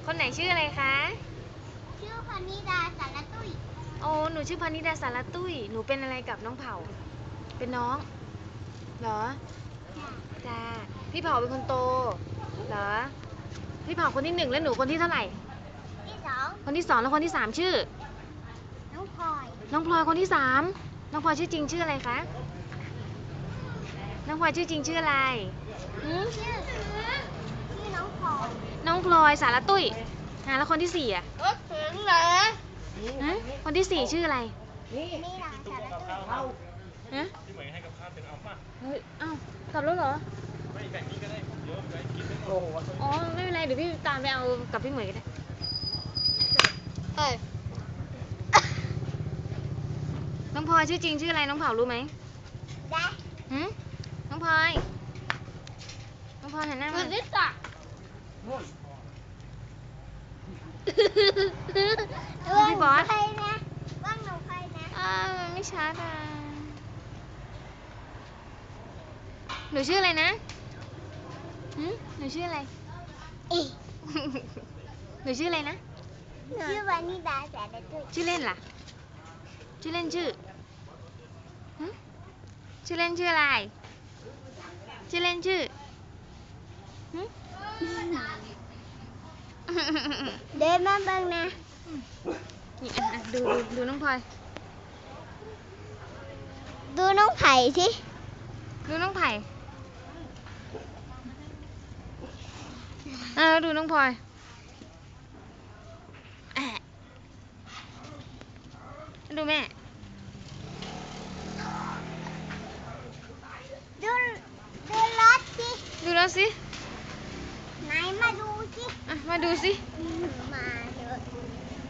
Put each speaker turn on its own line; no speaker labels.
คนไหนชื่ออะไรคะ
ชื่อพนิดาสารตุ้ย
โอ้หนูชื่อพนิดาสารตุ้ยหนูเป็นอะไรกับน้องเผาเป็นน้องเหรอจ้าพี่เผาเป็นคนโตเหรอพี่เผาคนที่ 1แล้วหนูคนที่เท่าไหร่
ที่สอง
คนที่ 2แล้วคนที่ 3ชื่อ
น้องพลอย
น้องพลอยคนที่ 3น้องพลอยชื่อจริงชื่ออะไรคะน้องพลอยชื่อจริงชื่ออะไร
ชื่อน้องพลอย
น้องพลอยสารตุ้ยแล้วคนที่ 4อ่ะ
ถึงเหรอ
คนที่ 4ชื่ออะไร
นี่ดาสารตุ้ย
พี่เหมยให้กับข้าวเป็นเอาป่ะ
เฮ้ยอ้าวกลับแล้วเหรอ
ไม่แบ่งนี้ก็ได้เยอะเลยกินไม่หมด
อ๋อไม่เป็นไรเดี๋ยวพี่ตามไปเอากับพี่เหมยก็ได้น้องพลอยชื่อจริงชื่ออะไรน้องเผารู้ไหม
ได้
น้องพลอยหันหน้ามา
นิสา
พี่บอส
ใครนะว่างหนูใครนะ
มันไม่ชัดอ่ะหนูชื่ออะไรนะหนูชื่ออะไรหนูชื่ออะไรนะ
ชื่อวานิดาสารตุ้ย
ชื่อเล่นล่ะชื่อเล่นชื่อเล่นชื่ออะไรชื่อเล่นชื่อ
เดินมาเบิ่งนะ
นี่ดูน้องพลอย
ดูน้องไผ่สิ
ดูน้องไผ่ดูน้องพลอยดูแม่
ดูรถสิ
ดูแล้วสิ
ไหนมาดูสิ
มาดูสิ
ม